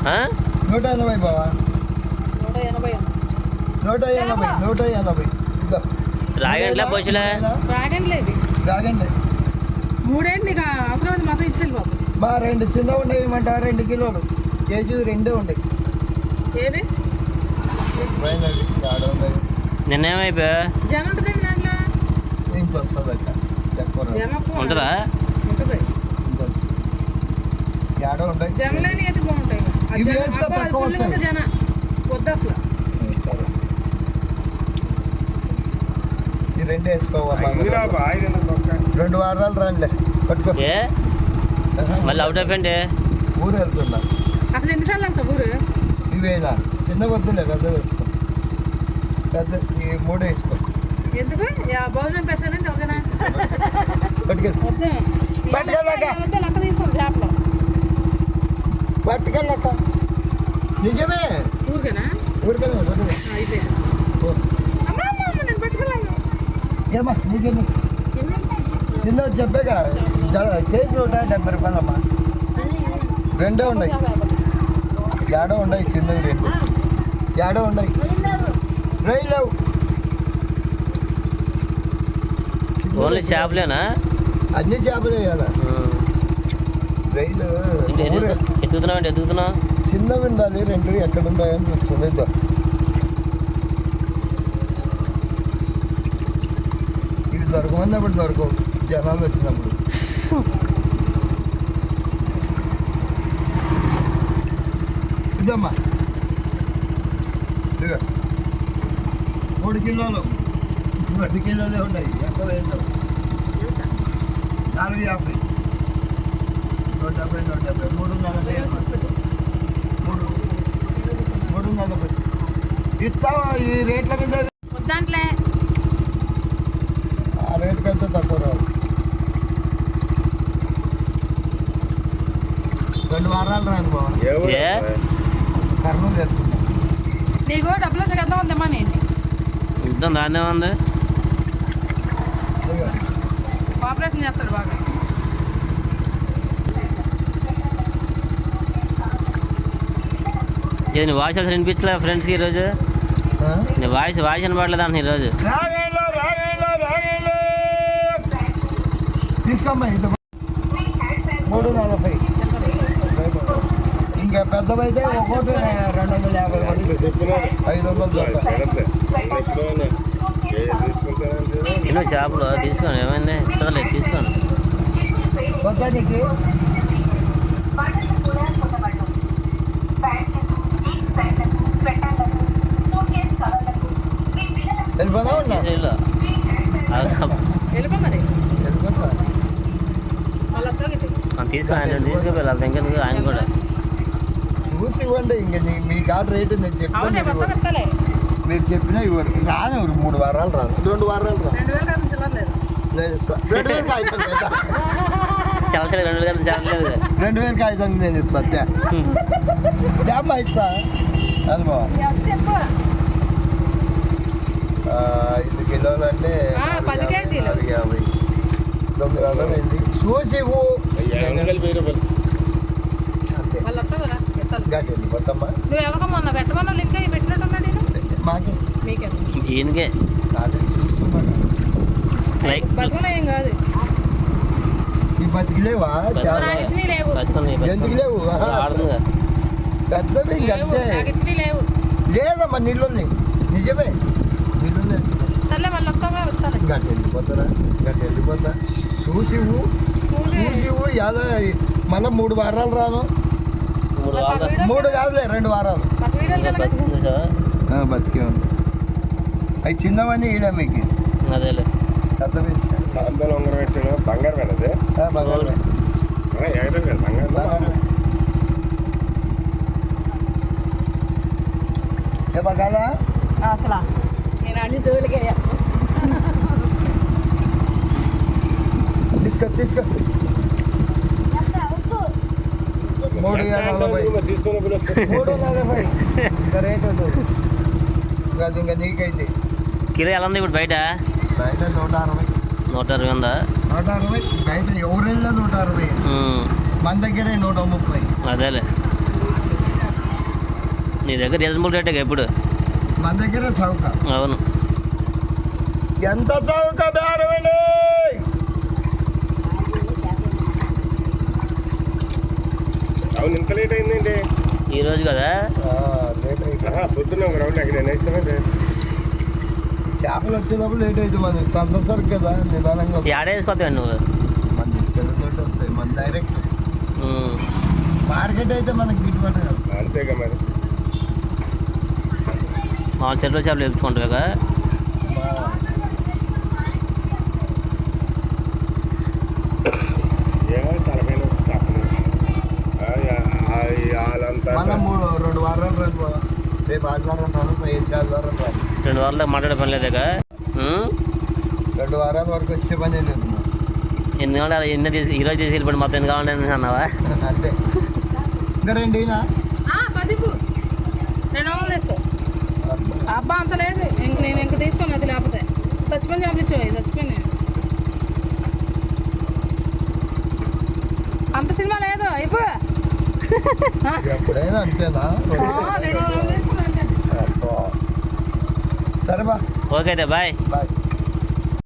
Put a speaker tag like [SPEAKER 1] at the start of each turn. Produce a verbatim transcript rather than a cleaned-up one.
[SPEAKER 1] నూట ఎనభై బావా, నూట ఎనభై నూట ఎనభై
[SPEAKER 2] రాగండ్లే పోషలే
[SPEAKER 1] రాగండి
[SPEAKER 3] మూడేంటి అవసరం మాత్రం ఇచ్చేది బాబు.
[SPEAKER 1] మా రెండు చిన్న ఉండేవి ఇవ్వమంట, రెండు కిలోలు కేజీ రెండే ఉండేవి.
[SPEAKER 3] ఏవి
[SPEAKER 2] నిన్నేమైపోయా
[SPEAKER 3] జమ ఉంటుంది దాంట్లో,
[SPEAKER 1] ఇంత వస్తుంది అక్క
[SPEAKER 2] ఉంటుందా?
[SPEAKER 1] ఏడో ఉంటాయి
[SPEAKER 3] జమలేని అయితే బాగుంటాయి. జన వద్దు అసలు
[SPEAKER 1] ఈ రెండు వేసుకోవాలి. రెండు వారాలు రండి పట్టుకో.
[SPEAKER 2] మళ్ళీ అవుట్ అయిపోయింది.
[SPEAKER 1] ఊరు వెళ్తున్నా.
[SPEAKER 3] అసలు ఎన్నిసార్లు వెళ్తా ఊరు?
[SPEAKER 1] ఇవేనా చిన్న వద్దులే, పెద్ద వేసుకో. పెద్ద ఈ మూడు వేసుకో.
[SPEAKER 3] ఎందుకు భోజనం పెట్టాలంటే ఓకేనా? లెక్క తీసుకోండి చేపలు
[SPEAKER 1] పట్టుకెళ్ళక. నిజమే
[SPEAKER 3] ఊరికేనా?
[SPEAKER 1] ఊరికెళ్ళా
[SPEAKER 3] నేను పట్టుకెళ్ళాను.
[SPEAKER 1] ఏమా నీకేమి చిన్న చెప్పాక కేజీ నూట డెబ్బై రూపాయలమ్మా. రెండే ఉన్నాయి, ఏడో ఉన్నాయి చిన్నవి రెండు, ఏడో ఉన్నాయి. రై లేవు,
[SPEAKER 2] ఓన్లీ చేపలేనా?
[SPEAKER 1] అన్ని చేపలు వేయాలా? రైలు
[SPEAKER 2] ఎత్తుతున్నావు అంటే ఎత్తుతున్నావు.
[SPEAKER 1] చిన్నవి ఉండాలి రెండు, ఎక్కడ ఉన్నాయని చూడలేదు. ఇవి దొరకమన్నప్పుడు దొరకవు, జనాలు వచ్చినప్పుడు. ఇదమ్మా ఇదిగో మూడు కిలోలు, పది కిలోలే ఉన్నాయి. ఎక్కడ వేసావు? నాలుగు యాభై, నూట డెబ్బై నూట డెబ్బై మూడు నలభై మూడు మూడు నలభై ఇస్తావా? ఈ రేట్ల మీద
[SPEAKER 3] దాంట్లో
[SPEAKER 1] ఆ రేట్ కంటే తక్కువ రావు. రెండు వారాలు రాను బాబా, కర్నూలు చేస్తున్నా.
[SPEAKER 3] నీకు డబ్బులు వచ్చేద్దాం ఉందమ్మా. నేను
[SPEAKER 2] యుద్ధం దాన్నే ఉంది.
[SPEAKER 3] ఆపరేషన్ చేస్తాడు బాగా.
[SPEAKER 2] ఇది నీ వాయిస్ అసలు వినిపించలే ఫ్రెండ్స్కి ఈరోజు. నీ వాయిస్ వాయిస్ వినపడలేదు అంటున్నా ఈరోజు.
[SPEAKER 1] తీసుకోమ్మా ఇది మూడు నలభై. ఇంకా పెద్దవైతే ఒక్కోటి రెండు వందల యాభై ఐదు వందలు
[SPEAKER 2] చిన్న చేపలు తీసుకోను, ఏమైంది ఇస్తలేదు, తీసుకోను.
[SPEAKER 1] వద్దా నీకు? వెళ్ళిపోదా ఉన్నా
[SPEAKER 3] వెళ్ళిపో మరి.
[SPEAKER 1] వెళ్ళిపోతా
[SPEAKER 2] తీసుకో, ఆయన తీసుకుపోయి ఇంకెందుకు ఆయన కూడా
[SPEAKER 1] చూసి ఇవ్వండి. ఇంక మీ కార్డు రేటు నేను చెప్పాను, మీరు చెప్పినా ఇవ్వరు. రాను ఎవరు మూడు వారాలు రాను, రెండు వారాలు రాను. నేను ఇస్తాను రెండు వేలు కాగితం,
[SPEAKER 2] చల్లలేదు రెండు వేలు చల్లలేదు
[SPEAKER 1] రెండు వేలు కాగితం నేను ఇస్తాను. జాబ్ ఇస్తా అది బాబా. ఐదు కిలోలు అంటే నాలుగు యాభై తొమ్మిది వందలు అయింది. చూసి ఇవ్వు గట్టి వెళ్ళిపోతామ్మా. మాకే
[SPEAKER 2] ఈయనకే
[SPEAKER 1] చూస్తున్నాను.
[SPEAKER 3] ఏం కాదు.
[SPEAKER 1] ఈ బతికిలేవా? ఎందుకు లేవు? పెద్దవి ఇంకంటే లేదమ్మా. నీళ్ళు నిజమే, నీళ్ళు గట్టి వెళ్ళిపోతారా? గట్టి వెళ్ళిపోతా. చూసివు చూసివు యాదో మళ్ళీ మూడు వారాలు రాను. మూడు కాదులే, రెండు వారాలు బతికే ఉంది. అవి చిన్నవన్నీ ఈడా మీకు
[SPEAKER 2] అదేలే.
[SPEAKER 1] పెద్దవి
[SPEAKER 4] బంగారు వెళ్ళదు
[SPEAKER 1] బంగారు ఏ బగాలా
[SPEAKER 3] అసలు నేను అన్ని జోలికి
[SPEAKER 1] తీసుకో తీసుకో. మూడు నలభై మూడు నలభై ఇంకా రేట్ ఉంటుంది. అది ఇంకా నీకైతే
[SPEAKER 2] కిలో ఎలా ఉంది ఇప్పుడు బయట?
[SPEAKER 1] బయట నూట అరవై
[SPEAKER 2] నూట అరవై ఉందా?
[SPEAKER 1] నూట అరవై బయట ఎవరెళ్ళా నూట అరవై, మన దగ్గరే నూట ముప్పై.
[SPEAKER 2] అదేలే. నీ దగ్గర రీజనబుల్ రేటే ఎప్పుడు
[SPEAKER 1] మన దగ్గర చౌక.
[SPEAKER 2] అవును.
[SPEAKER 1] ఎంత చౌక బేరవండి.
[SPEAKER 4] అవును ఇంత లేట్ అయిందండి
[SPEAKER 2] ఈ రోజు కదా.
[SPEAKER 1] లేట్ అయితే
[SPEAKER 4] పొద్దున్న ఒక రౌండ్ అక్కడ నేను వేస్తానండి.
[SPEAKER 1] చేపలు వచ్చేటప్పుడు లేట్ అవుతుంది. మన సంత సరుకు కదా నిదానంగా
[SPEAKER 2] ఏడేసుకోతావు నువ్వు.
[SPEAKER 1] మన చెరువుతోటి వస్తాయి. మన డైరెక్ట్
[SPEAKER 2] ఉమ్.
[SPEAKER 1] మార్కెట్ అయితే మనకి గిట్టుబాటు కాదు.
[SPEAKER 4] అంతేగా మరి.
[SPEAKER 2] మా చెరువు చేపలు వేసుకుంటావు కదా.
[SPEAKER 4] ఏమో తలపైన తప్పదు. వాళ్ళంతా
[SPEAKER 1] మనం మూడు రెండు వారాలు రెండు రేపు ఆదివారం రాను రేపు ఆదివారం రాను
[SPEAKER 2] రెండు వారాలు మాట్లాడే పని లేదుగా.
[SPEAKER 1] రెండు వారాల వరకు వచ్చే పని లేదు.
[SPEAKER 2] ఎన్ని కావాలి ఎన్ని తీసి ఈరోజు తీసి వెళ్ళిపోయి మొత్తం ఎన్ని కావాలని అన్నావా?
[SPEAKER 1] అంతే. ఇంకా రెండేనా
[SPEAKER 3] పదిపు రెండు వందలు వేసుకో. అబ్బా అంత లేదు ఇంక నేను ఇంక తీసుకోను. అది లేకపోతే చచ్చిపోయి పంపించు. చచ్చిపోయినా అంత సినిమా లేదు అయిపో.
[SPEAKER 1] ఎప్పుడైనా అంతేనా?
[SPEAKER 3] రెండు వందలు వేసుకో.
[SPEAKER 1] సరే బా.
[SPEAKER 2] ఓకే అయితే బాయ్.
[SPEAKER 1] బాయ్.